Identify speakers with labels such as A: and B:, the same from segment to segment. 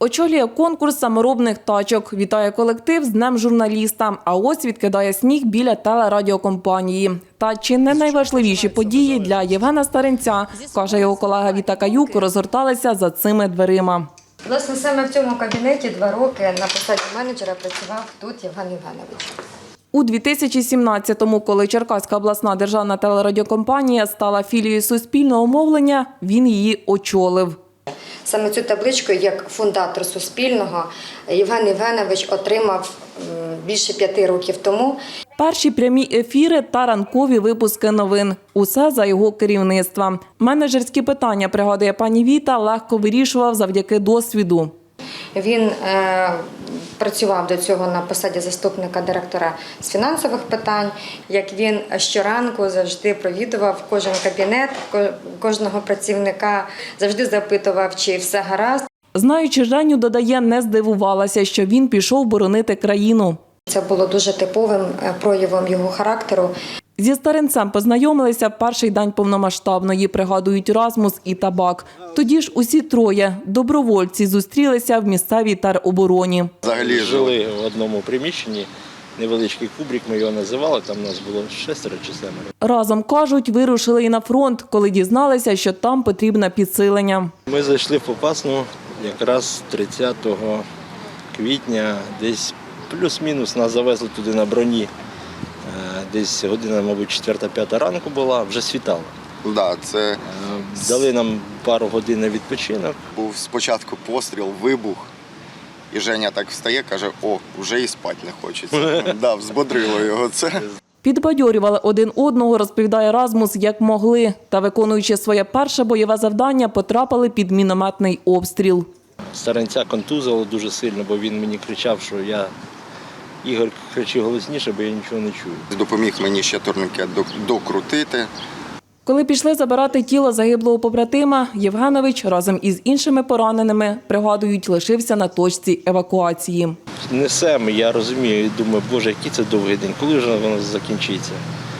A: Очолює конкурс саморобних тачок. Вітає колектив з Днем журналіста. А ось відкидає сніг біля телерадіокомпанії. Та чи не найважливіші події для Євгена Старинця, каже його колега Віта Каюк, розгорталися за цими дверима.
B: Власне, саме в цьому кабінеті 2 роки на посаді менеджера працював тут Євген Євгенович.
A: У 2017-му, коли Черкаська обласна державна телерадіокомпанія стала філією Суспільного мовлення, він її очолив.
B: Саме цю табличку, як фундатор Суспільного, Євген Євгенович отримав більше 5 років тому.
A: Перші прямі ефіри та ранкові випуски новин. Усе за його керівництва. Менеджерські питання, пригадує пані Віта, легко вирішував завдяки досвіду.
B: Він працював до цього на посаді заступника директора з фінансових питань. Як він щоранку завжди провідував кожен кабінет, кожного працівника, завжди запитував, чи все гаразд.
A: Знаючи Женю, додає, не здивувалася, що він пішов боронити країну.
B: Це було дуже типовим проявом його характеру.
A: Зі Старинцем познайомилися в перший день повномасштабної, пригадують Расмус і Табак. Тоді ж усі троє добровольці зустрілися в місцевій теробороні.
C: Взагалі жили в одному приміщенні, невеличкий кубрик, ми його називали, там нас було 6 чи 7.
A: Разом, кажуть, вирушили і на фронт, коли дізналися, що там потрібне підсилення.
C: Ми зайшли в Попасну якраз 30 квітня, десь плюс-мінус нас завезли туди на броні. Десь година, мабуть, 4-5 ранку була, вже світало.
D: Да, це
C: дали нам пару годин на відпочинок.
D: Був спочатку постріл, вибух, і Женя так встає, каже, о, вже і спати не хочеться. Да, взбодрило його це.
A: Підбадьорювали один одного, розповідає Расмус, як могли. Та, виконуючи своє перше бойове завдання, потрапили під мінометний обстріл.
C: Старинця контузило дуже сильно, бо він мені кричав, що Ігор, кричи голосніше, бо я нічого не чую.
D: Допоміг мені ще турнікет докрутити.
A: Коли пішли забирати тіло загиблого побратима, Євгенович разом із іншими пораненими, пригадують, лишився на точці евакуації.
C: Несемо, я розумію, і думаю, боже, який це довгий день, коли вже воно закінчиться.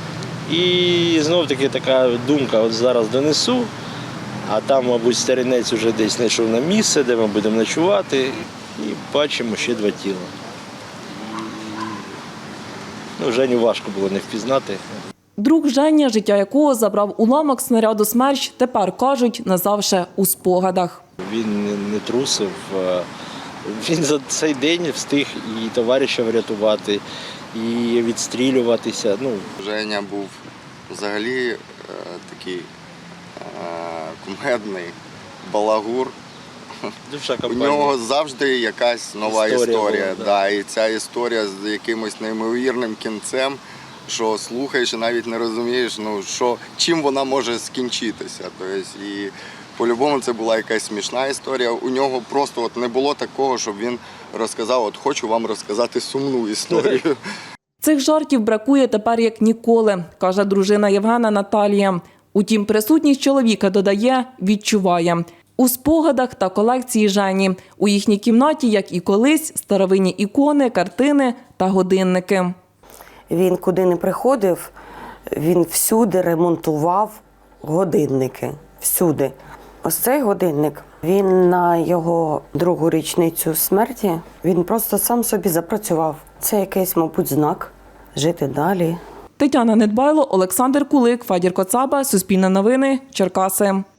C: І знов-таки така думка, от зараз донесу, а там, мабуть, Старинець вже десь знайшов на місце, де ми будемо ночувати, і бачимо ще 2 тіла. Женю важко було не впізнати.
A: Друг Женя, життя якого забрав уламок снаряду «Смерч», тепер, кажуть, назавше у спогадах.
C: Він не трусив, він за цей день встиг і товариша врятувати, і відстрілюватися.
D: Женя був взагалі такий кумедний балагур. У нього завжди якась нова історія. Да, і ця історія з якимось неймовірним кінцем, що слухаєш і навіть не розумієш, чим вона може скінчитися. Тобто, і по-любому це була якась смішна історія. У нього просто не було такого, щоб він розказав, хочу вам розказати сумну історію.
A: Цих жартів бракує тепер як ніколи, каже дружина Євгена Наталія. Утім, присутність чоловіка, додає, відчуває. У спогадах та колекції Жені. У їхній кімнаті, як і колись, старовинні ікони, картини та годинники.
E: Він куди не приходив, він всюди ремонтував годинники. Всюди. Ось цей годинник, він на його 2-гу річницю смерті, він просто сам собі запрацював. Це якийсь, мабуть, знак жити далі.
A: Тетяна Недбайло, Олександр Кулик, Федір Коцаба, Суспільне новини, Черкаси.